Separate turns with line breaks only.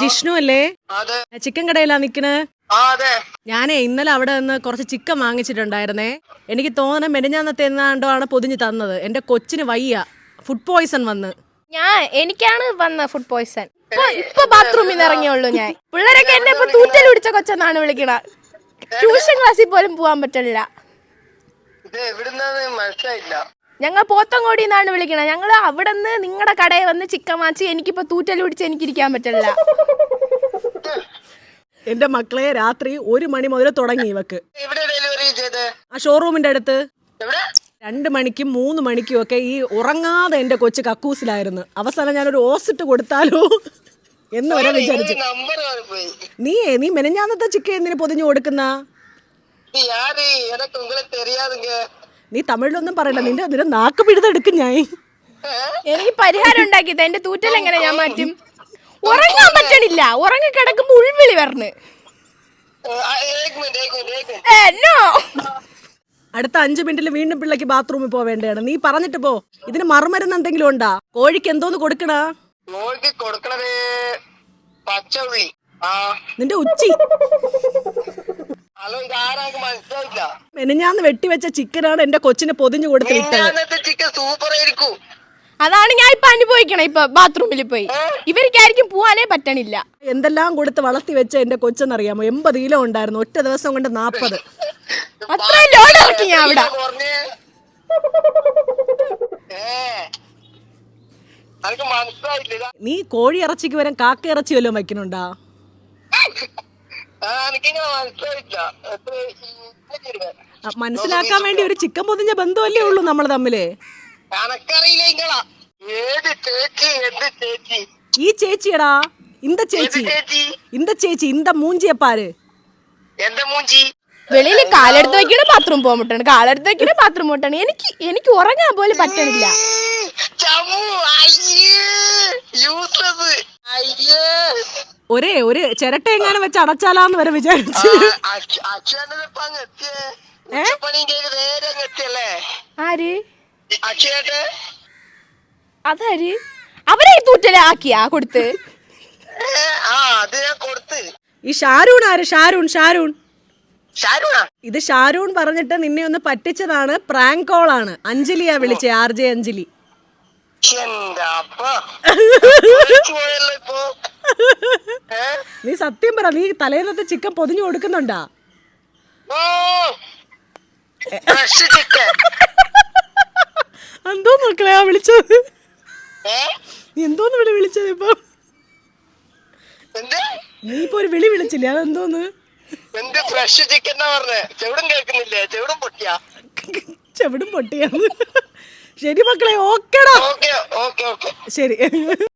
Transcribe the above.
വിഷ്ണു അല്ലേ? ചിക്കൻ കടയിലാ നിക്കണേ? ഞാനേ ഇന്നലെ അവിടെ നിന്ന് കുറച്ച് ചിക്കൻ വാങ്ങിച്ചിട്ടുണ്ടായിരുന്നേ. എനിക്ക് തോന്നുന്നത് മെനിഞ്ഞാന്നത്തെ എന്നാണ്ടോ ആണ് പൊതിഞ്ഞ് തന്നത്. എന്റെ കൊച്ചിന് വയ്യ, ഫുഡ് പോയ്സൺ വന്ന്.
എനിക്കാണ് വന്ന ഫുഡ് പോയ്സൺ. ഇപ്പൊ ബാത്റൂമിൽ നിന്ന് ഇറങ്ങിയുള്ളൂ ഞാൻ. പിള്ളേരൊക്കെ എന്നെ ഇപ്പൊ തൂറ്റൽ പിടിച്ച കൊച്ചെന്നാണ് വിളിക്കണ. ട്യൂഷൻ ക്ലാസ്സിൽ പോലും പോവാൻ പറ്റില്ല. ഞങ്ങൾ പോത്തങ്കോടി എന്നാണ് വിളിക്കണ. ഞങ്ങൾ അവിടെ നിന്ന് നിങ്ങളുടെ കടയിൽ വന്ന് ചിക്കൻ വാങ്ങിച്ച് എനിക്കിപ്പോ തൂറ്റൽ പിടിച്ച് എനിക്കിരിക്കാൻ പറ്റില്ല.
എന്റെ മക്കളെ രാത്രി 1 മണി മുതൽ തുടങ്ങി ഇവക്ക്. ആ ഷോറൂമിന്റെ അടുത്ത് 2 മണിക്കും 3 മണിക്കും ഒക്കെ ഈ ഉറങ്ങാതെ എന്റെ കൊച്ചു കക്കൂസിലായിരുന്നു. അവസാനം ഞാനൊരു ഓസിട്ട് കൊടുത്താലോ എന്ന് വരെ വിചാരിച്ചു. നീ മെനഞ്ഞാന്നത്തെ ചിക്കൻ എന്തിനു പൊതിഞ്ഞു കൊടുക്കുന്ന? നീ തമിഴിലൊന്നും പറയണ്ട, നിന്റെ നാക്ക് പിഴുതെടുക്കും ഞാൻ.
എനിക്ക് പരിഹാരം ഉണ്ടാക്കിയത് എന്റെ തൂറ്റൽ എങ്ങനെ ഞാൻ മാറ്റും? ഉറങ്ങാൻ പറ്റണില്ല, ഉറങ്ങി കിടക്കുമ്പോ ഉൾവിളി വരണ്.
അടുത്ത 5 മിനിറ്റിൽ വീണ്ടും പിള്ളേക്ക് ബാത്റൂമിൽ പോവേണ്ടതാണ്. നീ പറഞ്ഞിട്ട് പോ. ഇതിന് മറുമരുന്ന് എന്തെങ്കിലും ഉണ്ടാ? കോഴിക്ക് എന്തോന്ന് കൊടുക്കണ? നിന്റെ ഉച്ചി മെനഞ്ഞാന്ന് വെട്ടിവെച്ച ചിക്കനാണ് എന്റെ കൊച്ചിന് പൊതിഞ്ഞു കൊടുത്തിട്ടത്.
അതാണ് ഞാൻ ഇപ്പൊ അനുഭവിക്കണം. ഇപ്പൊ ബാത്റൂമിൽ പോയി ഇവർക്കായിരിക്കും പോവാനേ പറ്റണില്ല.
എന്തെല്ലാം കൊടുത്ത് വളർത്തി വെച്ച എന്റെ കൊച്ചെന്നറിയാമോ? 80 കിലോ ഉണ്ടായിരുന്നു, ഒറ്റ ദിവസം കൊണ്ട് 40.
അത്രയും ലോഡ് ഇറക്കി ഞാൻ അവിടെ.
നീ കോഴി ഇറച്ചിക്ക് വരാൻ കാക്ക ഇറച്ചി വല്ലതും വയ്ക്കണുണ്ടാ? മനസ്സിലാക്കാൻ വേണ്ടി ഒരു ചിക്കൻ പൊതിഞ്ഞ ബന്ധമല്ലേ ഉള്ളൂ നമ്മൾ തമ്മില്. ഈ ചേച്ചിയടാ, ഇന്ത ചേച്ചി ഇന്ത മൂഞ്ചിയെ പാര്.
വെളിയിൽ കാലെടുത്ത് വെക്കണ ബാത്റൂം പോകാൻ മുട്ടാണ്, കാലെടുത്ത് വെക്കണ ബാത്റൂം മുട്ടാണ്. എനിക്ക് ഉറങ്ങാൻ പോലും പറ്റണില്ല.
ഒരു ചിരട്ട എങ്ങാനും വെച്ച് അടച്ചാലാന്ന് വരെ വിചാരിച്ചു.
ആര്? അതാര്? അവരെ തൂറ്റലെ ആക്കിയാ കൊടുത്ത്?
ഈ ഷാരൂൺ ആര്? ഷാരൂൺ ഇത് ഷാരൂൺ പറഞ്ഞിട്ട് നിന്നെ ഒന്ന് പറ്റിച്ചതാണ്. പ്രാങ്ക് കോൾ ആണ്. അഞ്ജലിയാ വിളിച്ചേ, RJ അഞ്ജലി. നീ സത്യം പറ, നീ തലേന്നത്തെ ചിക്കൻ പൊതിഞ്ഞു കൊടുക്കുന്നുണ്ടാ? എന്തോ മക്കളെ വിളിച്ചത്? നീ എന്തോന്ന് വിളിച്ചത്? ഇപ്പൊ നീ ഇപ്പൊ ഒരു വിളി വിളിച്ചില്ലേ, അതെന്തോന്ന്? ചെവിടും പൊട്ടിയാന്ന്. ശരി മക്കളെ, ഓക്കേടാ, ശരി.